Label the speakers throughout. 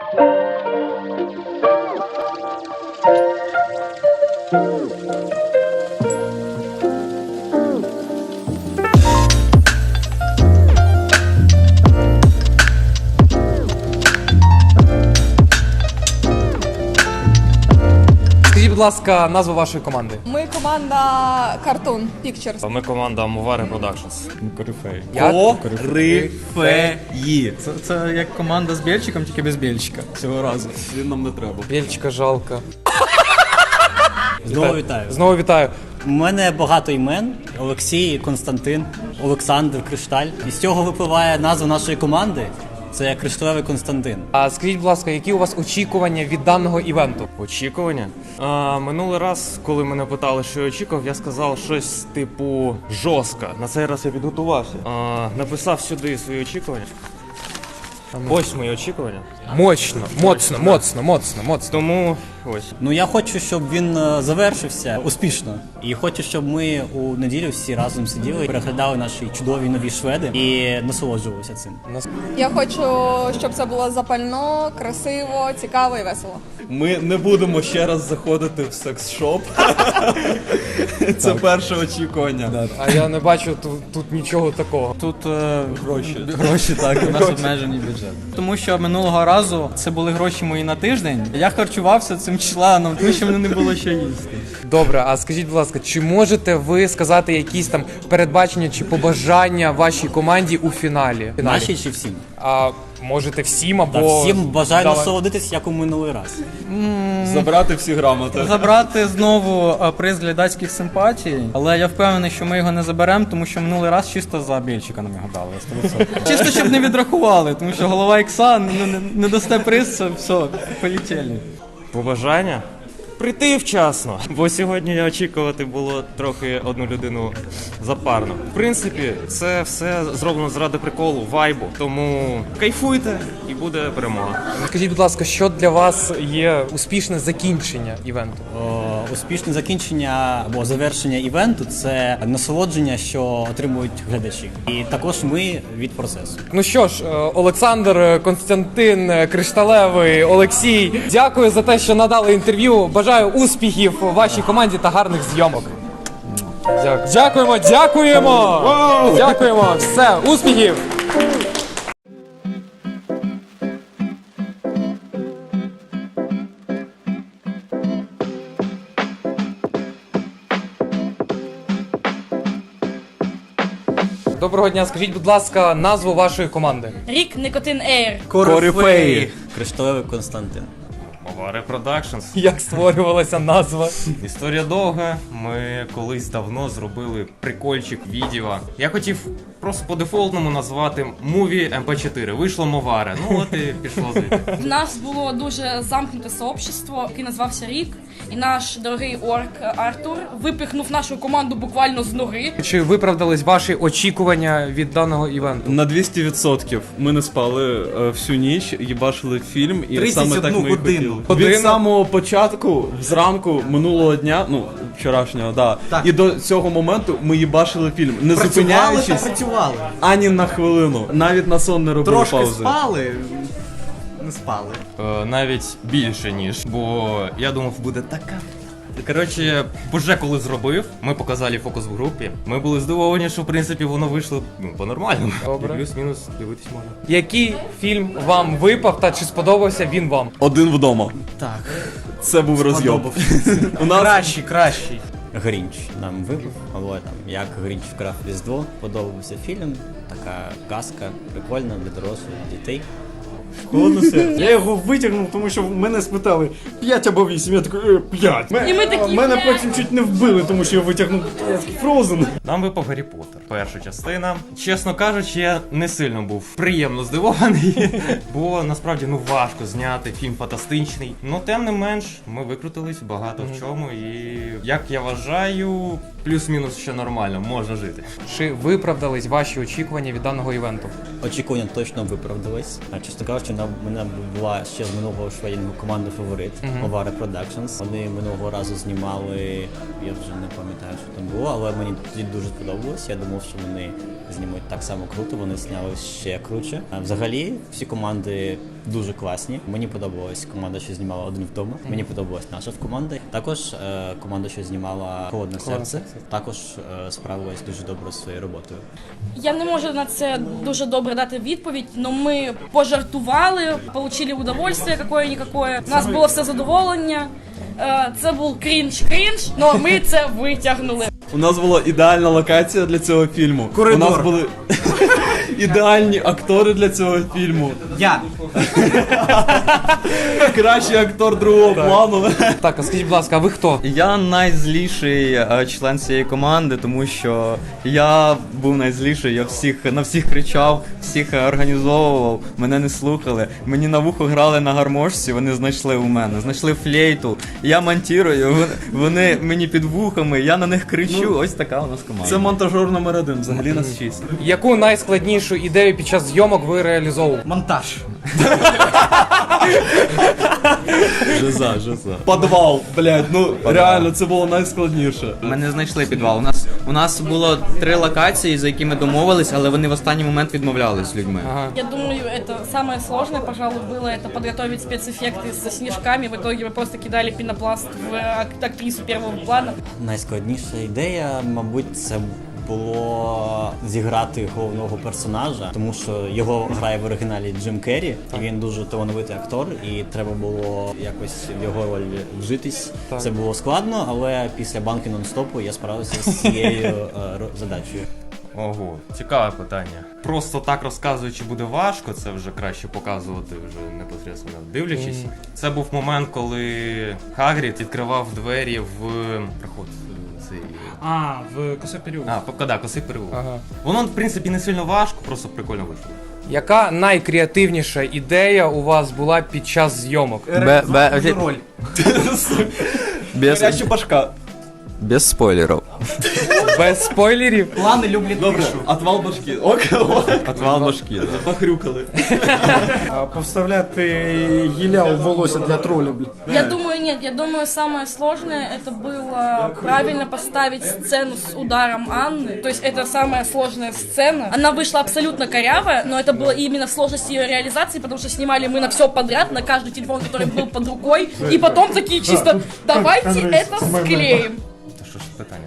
Speaker 1: Скажіть, будь ласка, назву вашої команди.
Speaker 2: Ми команда Cartoon Pictures.
Speaker 3: Ми команда Movare Productions.
Speaker 4: Корифей.
Speaker 5: Корифеї. Це як команда з Бєльчиком, тільки без Бєльчика цього разу.
Speaker 4: Він нам не треба.
Speaker 1: Бєльчика жалко.
Speaker 6: Знову вітаю.
Speaker 1: Знову вітаю.
Speaker 6: У мене багато імен: Олексій, Константин, Олександр, Кришталь. І з цього випливає назва нашої команди. Це Кришталевий Константин.
Speaker 1: А скажіть, будь ласка, які у вас очікування від даного івенту?
Speaker 3: Очікування? Минулий раз, коли мене питали, що я очікував, я сказав щось типу жорстко. На цей раз я підготувався. Написав сюди свої очікування. Ось мої очікування.
Speaker 1: Мощно, моцно.
Speaker 3: Тому ось.
Speaker 6: Ну я хочу, щоб він завершився успішно. І хочу, щоб ми у неділю всі разом сиділи, переглядали наші чудові нові шведи і насолоджувалися цим.
Speaker 2: Я хочу, щоб це було запально, красиво, цікаво і весело.
Speaker 4: Ми не будемо ще раз заходити в секс-шоп. Це перше очікування.
Speaker 1: А я не бачу тут нічого такого.
Speaker 5: Тут гроші, так, у нас обмежений бюджет. Тому що минулого разу це були гроші мої на тиждень. Я харчувався цим членом, тому що мене не було що їсти.
Speaker 1: Добре, а скажіть, будь ласка, чи можете ви сказати якісь там передбачення чи побажання вашій команді у фіналі?
Speaker 6: Наші чи всім?
Speaker 1: А можете всім або...
Speaker 6: Та всім бажаю
Speaker 1: Давай.
Speaker 6: насолодитись, як у минулий раз.
Speaker 4: Забрати всі грамоти.
Speaker 5: Забрати знову приз глядацьких симпатій, але я впевнений, що ми його не заберемо, тому що минулий раз чисто за Бєльчика нам його дали. 100%. Чисто, щоб не відрахували, тому що голова ікса не дасте приз, це все, полетіли.
Speaker 3: Побажання? Прийти вчасно, бо сьогодні очікувати було трохи одну людину запарно. В принципі, це все зроблено заради приколу, вайбу, тому кайфуйте і буде перемога.
Speaker 1: Скажіть, будь ласка, що для вас є успішне закінчення івенту?
Speaker 6: Успішне закінчення або завершення івенту – це насолодження, що отримують глядачі. І також ми від процесу.
Speaker 1: Ну що ж, Олександр, Константин, Кришталевий, Олексій, дякую за те, що надали інтерв'ю. Бажаю успіхів вашій команді та гарних зйомок. Дякуємо! Дякуємо! Все, успіхів! Доброго дня, скажіть, будь ласка, назву вашої команди.
Speaker 7: Рік Никотин Ейр.
Speaker 4: Корифеї.
Speaker 6: Кришталевий Константин.
Speaker 3: Movare Productions.
Speaker 1: Як створювалася назва?
Speaker 3: Історія довга. Ми колись давно зробили прикольчик відео. Я хотів просто по дефолтному назвати Movie MP4. Вийшло Movare. Ну от і пішло звідти.
Speaker 7: В нас було дуже замкнуте сообщество, яке назвався Рік. І наш дорогий орк Артур випихнув нашу команду буквально з ноги.
Speaker 1: Чи виправдались ваші очікування від даного івенту?
Speaker 4: На 200%. Ми не спали всю ніч, їбашили фільм, і саме так ми і хотіли. Від самого початку, зранку минулого дня, ну, вчорашнього, да. І до цього моменту ми їбашили фільм, не зупиняючись ані на хвилину. Навіть на сон не робили паузи.
Speaker 5: Не спали.
Speaker 3: Навіть більше, ніж. Бо я думав, буде така. Коротше, вже коли зробив, ми показали фокус в групі. Ми були здивовані, що в принципі воно вийшло по-нормальному.
Speaker 1: Добре.
Speaker 3: І плюс-мінус дивитись можна.
Speaker 1: Який фільм вам випав та чи сподобався він вам?
Speaker 4: Один вдома.
Speaker 5: Так.
Speaker 4: Це був розйоб. У нас
Speaker 5: Кращий.
Speaker 6: Грінч нам вибив, або там як Грінч вкрав Різдво, подобався фільм, така казка, прикольна для дорослих, дітей.
Speaker 8: Я його витягнув, тому що мене спитали 5 або 8, я такий 5.
Speaker 7: І ми такі,
Speaker 8: Мене
Speaker 7: «П'ять».
Speaker 8: потім чуть не вбили, тому що я витягнув Frozen.
Speaker 3: Нам випав Гаррі Поттер. Перша частина. Чесно кажучи, я не сильно був приємно здивований, бо насправді важко зняти фільм фантастичний. Ну тим не менш, ми викрутились багато в чому, і як я вважаю, плюс-мінус ще нормально, можна жити.
Speaker 1: Чи виправдались ваші очікування від даного івенту?
Speaker 6: Очікування точно виправдались. А чесно кажучи, що в мене була ще з минулого шведінгу команда «Фаворит» Ovare Productions. Вони минулого разу знімали, я вже не пам'ятаю, що там було, але мені тоді дуже сподобалось. Я думав, що вони знімуть так само круто, вони зняли ще круче. А взагалі, всі команди дуже класні. Мені подобалась команда, що знімала «Один вдома». Мені подобалась наша команда. Також команда, що знімала «Холодне серце», також справилась дуже добре зі своєю роботою.
Speaker 7: Я не можу на це дуже добре дати відповідь, але ми пожартували, отримали удовольствие какое-никакое. У нас було все задоволення. Це був крінж, але ми це витягнули.
Speaker 4: У нас була ідеальна локація для цього фільму.
Speaker 8: Коридор.
Speaker 4: У нас були ідеальні актори для цього фільму.
Speaker 8: Я.
Speaker 4: Кращий актор другого плану.
Speaker 1: Так, а скажіть, будь ласка, а ви хто?
Speaker 9: Я найзліший член цієї команди, тому що я був найзліший, я на всіх кричав, всіх організовував, мене не слухали. Мені на вухо грали на гармошці, вони знайшли у мене, знайшли флейту, я монтірую, вони мені під вухами, я на них кричу, ось така у нас команда.
Speaker 4: Це монтажер номер 1, взагалі нас 6.
Speaker 1: Яку найскладнішу ідею під час зйомок ви реалізовували?
Speaker 8: Монтаж.
Speaker 4: Жиза. Подвал, блядь, ну реально, це було найскладніше.
Speaker 9: Ми не знайшли підвал. У нас було 3 локації, за які ми домовились, але вони в останній момент відмовлялись з людьми.
Speaker 7: Я думаю, это самое сложное, пожалуй, было это подготовить спецэффекты со снежками. В итоге мы просто кидали пенопласт в актрису первого плана.
Speaker 6: Найскладніша ідея, мабуть, це було зіграти головного персонажа, тому що його грає в оригіналі Джим Керрі, і він дуже талановитий актор, і треба було якось в його роль вжитись. Це було складно, але після банки нон-стопу я справився з цією задачею.
Speaker 3: Ого, цікаве питання. Просто так розказуючи буде важко, це вже краще показувати вже непосередньо дивлячись. Це був момент, коли Хагрід відкривав двері в проход.
Speaker 8: В Косой переулок.
Speaker 3: Косий переулок. Воно, в принципі, не сильно важко, просто прикольно вийшло.
Speaker 1: Яка найкреативніша ідея у вас була під час зйомок?
Speaker 8: Роль.
Speaker 4: Гаряча башка.
Speaker 9: Без спойлерів.
Speaker 1: Без спойлерів?
Speaker 8: Плани люблять
Speaker 4: Добре, отвал башки.
Speaker 9: Отвал башки.
Speaker 4: Похрюкали.
Speaker 8: Повставляти гілля у волосся для троля, блін.
Speaker 7: Я думаю, нет, я думаю, самое сложное это было правильно поставить сцену с ударом Анны. То есть это самая сложная сцена. Она вышла абсолютно корявая, но это было именно в сложности ее реализации, потому что снимали мы на все подряд, на каждый телефон, который был под рукой. И потом такие чисто, давайте это склеим.
Speaker 3: Та що ж питання?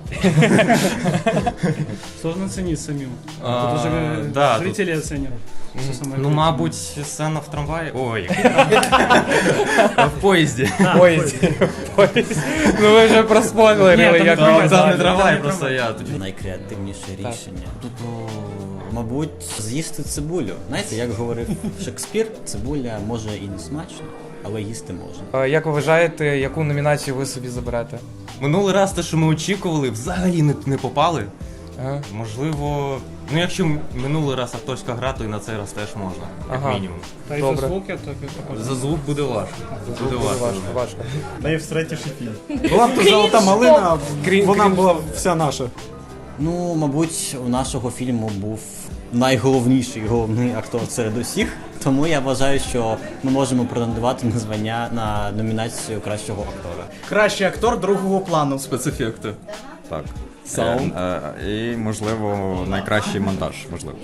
Speaker 8: Сложно оценить самим.
Speaker 3: Да,
Speaker 8: Зрители оценят.
Speaker 3: Ну, мабуть, сцена в трамваї. Ой, в поїзді.
Speaker 1: Поїзд. Ну ви вже проспойлерили, як ви
Speaker 3: Там не трамвай, просто я тут.
Speaker 6: Найкреативніше рішення. Мабуть, з'їсти цибулю. Знаєте, як говорив Шекспір, цибуля може і не смачно, але їсти можна.
Speaker 1: Як ви вважаєте, яку номінацію ви собі заберете?
Speaker 3: Минулий раз те, що ми очікували, взагалі не попали.
Speaker 1: Ага.
Speaker 3: Можливо, ну якщо минулий раз акторська гра, то і на цей раз теж можна, як мінімум.
Speaker 8: Та й
Speaker 1: Добре.
Speaker 8: за звуки, так і
Speaker 3: За звук буде важко. Буде
Speaker 1: Важко.
Speaker 8: Найвстретіший фільм. Була б то золота малина, вона була вся наша.
Speaker 6: Ну, мабуть, у нашого фільму був найголовніший головний актор серед усіх, тому я вважаю, що ми можемо претендувати на звання на номінацію кращого актора.
Speaker 8: Кращий актор другого плану.
Speaker 4: Спецефекти.
Speaker 9: Так.
Speaker 4: Саунд.
Speaker 9: І, можливо, найкращий монтаж, можливо.